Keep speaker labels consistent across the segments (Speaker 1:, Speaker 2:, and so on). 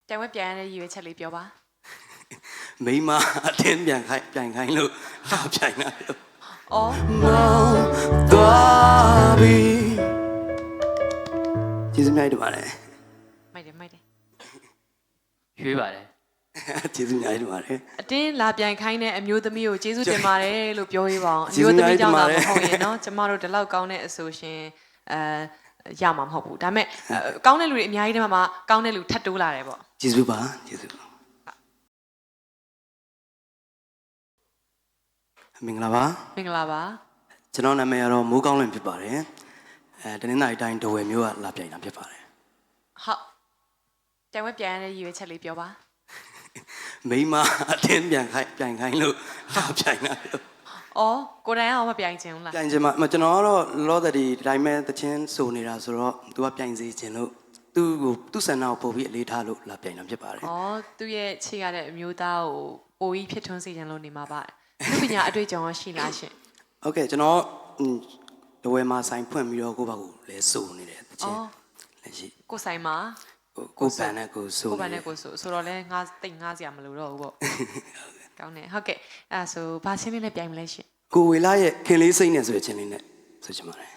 Speaker 1: ပြန်ဝဲပြန်ရတဲ့ရည်ရွယ်ချက်လေးပြောပါ
Speaker 2: မိမအတင်းပြန်ခိုင်းလို့လာပြိုင်တာလို့
Speaker 1: အော်
Speaker 2: မောင်သွားပြီကျေးဇူးများတင်ပါတယ်
Speaker 1: မိုက်တယ်
Speaker 3: ရွေးပါတယ်
Speaker 2: ကျေးဇူးများတင်ပါတယ်
Speaker 1: အတင်းလာပြန်ခိုင်းတဲ့အမျိုးသမီးကိုကျေးဇူးတင်ပါတယ်လို့ပြောရေးပါအောင်အမျိုးသမီးကြောင့်လာမဟုတ်ရင်နော်ကျမတို့ဒီလောက်ကောင်းတဲ့အဆိုရှင်ရမှာမဟုတ်ဘူးဒါပေမဲ့ကောင်းတဲ့လူတွေအများကြီးတည်းမှာကောင်းတဲ့လူထပ်တိုးလာတယ်ပေါ့
Speaker 2: ကျေးဇူးပါကျေးဇူးမင်္ဂလာပါကျွန်တော်နာမည်ကတော့မိုးကောင်းလွင်ဖြစ်ပါတယ်တနင်္သာရီတိုင်းဒဝယ်မြို့ကလာပြိုင်တာဖြစ်ပါတယ်
Speaker 1: ဟုတ်ပြန်ဝဲပြန်ရတဲ့ရည်ရွယ်ချက်လေးပြောပါ
Speaker 2: မိမအတင်းပြန်ခိုင်းလို့လာပြိုင်တာလို့
Speaker 1: အော်ကိုတိုင်အောင်မပြိုင်ချင်ဘူးလား
Speaker 2: ပြိုင်ချင်မှာကျွန်တော်ကတော့လောသဒီတိုင်းမဲ့တချင်းစုံနေတာဆိုတော့သူကပြိုင်စေချင်လို့သူ့ဆန္ဒကိုပို့ပြီးအလေးထားလို့လာပြိုင်တာဖြစ်ပါတယ်
Speaker 1: အော်သူ့ရဲ့ခြေရတဲ့အမျိုးသားကိုပိုပြီးဖြစ်ထွန်းစေချင်လို့နေမှာပါလူပညာအတွေ့အကြုံရှိလားရှင်
Speaker 2: ဟုတ်ကဲ့ကျွန်တော်ဒဝယ်မှာဆိုင်ဖွင့်ပြီးတော့ကိုယ့်ဘာကိုလဲစုံနေတယ်တချင်းလက်ရှိ
Speaker 1: ကိုဆိုင်မှာ
Speaker 2: ကိုပန်နဲ့ကိုစုံ
Speaker 1: ကိုပန်နဲ့ကိုဆိုတော့လဲငါတိတ်ငါစရာမလိုတော့ဘူးပေါ့ကောင်းတယ်ဟုတ်ကဲ့အဲ့ဆိုဘာချင်းလေးနဲ့ပြိုင်မလဲရှင်
Speaker 2: ကိုဝေလာရဲ့ခင်လေးစိတ်နဲ့ဆိုတဲ့ချင်းလေးနဲ့ဆိုချင်ပါတယ်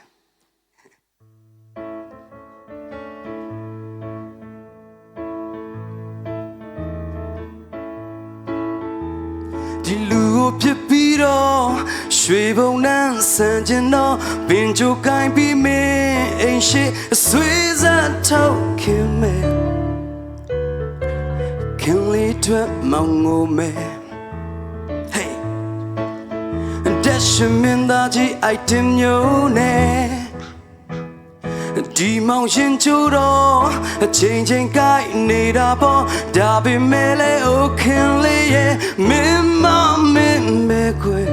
Speaker 2: ဒီလူကိုဖြစ်ပြီးတော့ရွှေဘုံနှမ်းဆန်ကျင်တော့ပင်ကြိုကိုင်းပြီးမင်းအိမ်ရှိအဆွေးစားထုတ်ခင်မဲခင်လေးထွက်မောင်ငိုမဲ Hey တက်ရှင်မင်းသားကြီး item မျိုးနဲ့ဒီမောင်ရှင်ချိုးတော့အချိန်ကိုက်နေတာပေါ့ဒါပေမဲ့လေအိုခင်လေးရဲ့မင်းမပဲခွေ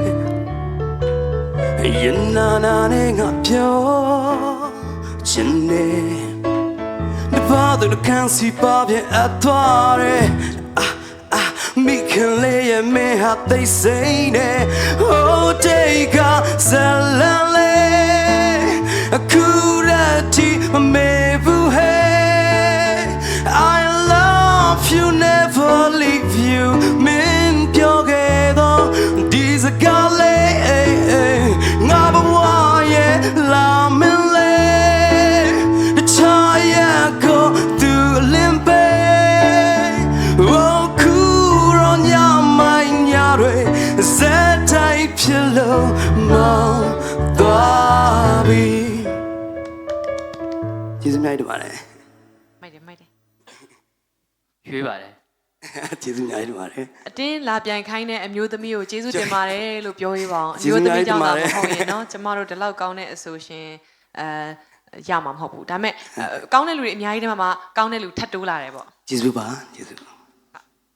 Speaker 2: ရင်နာနဲ့ငါပြောချင်နေဒီဘာတို့ခံစီပါပြအသွားရဲမိခင်လေးရဲ့မင်းဟာသိစိမ့်နေ Oh take a salale အခုရတီမမေဘူး Hey I love you never leave you မင်းပြောခဲ့တော့ဒီစကားလေးငါဘဝရဲ့လာမင်းလေးချာရကိုသူလင်းပေး Oh cool on your mind ညာတွေစက်တိုင်းဖြစ်လို့မောင်သွားပြီကျေးဇူးများတင်ပါတယ်
Speaker 1: မိုက်တယ်
Speaker 3: ရွေးပါတယ်
Speaker 2: ကျေးဇူးများတင်ပါတယ်
Speaker 1: အတင်းလာပြန်ခိုင်းတဲ့အမျိုးသမီးကိုကျေးဇူးတင်ပါတယ်လို့ပြောရေးပါအောင်အမျိုးသမီးကြောင့်လာမဟုတ်ရင်နော်ကျမတို့ဒီလောက်ကောင်းတဲ့အဆိုရှင်ရမှာမဟုတ်ဘူးဒါပေမဲ့ကောင်းတဲ့လူတွေအများကြီးတည်းမှာကောင်းတဲ့လူထပ်တိုးလာတယ်ပေါ့
Speaker 2: ကျေးဇူးပါကျေးဇူး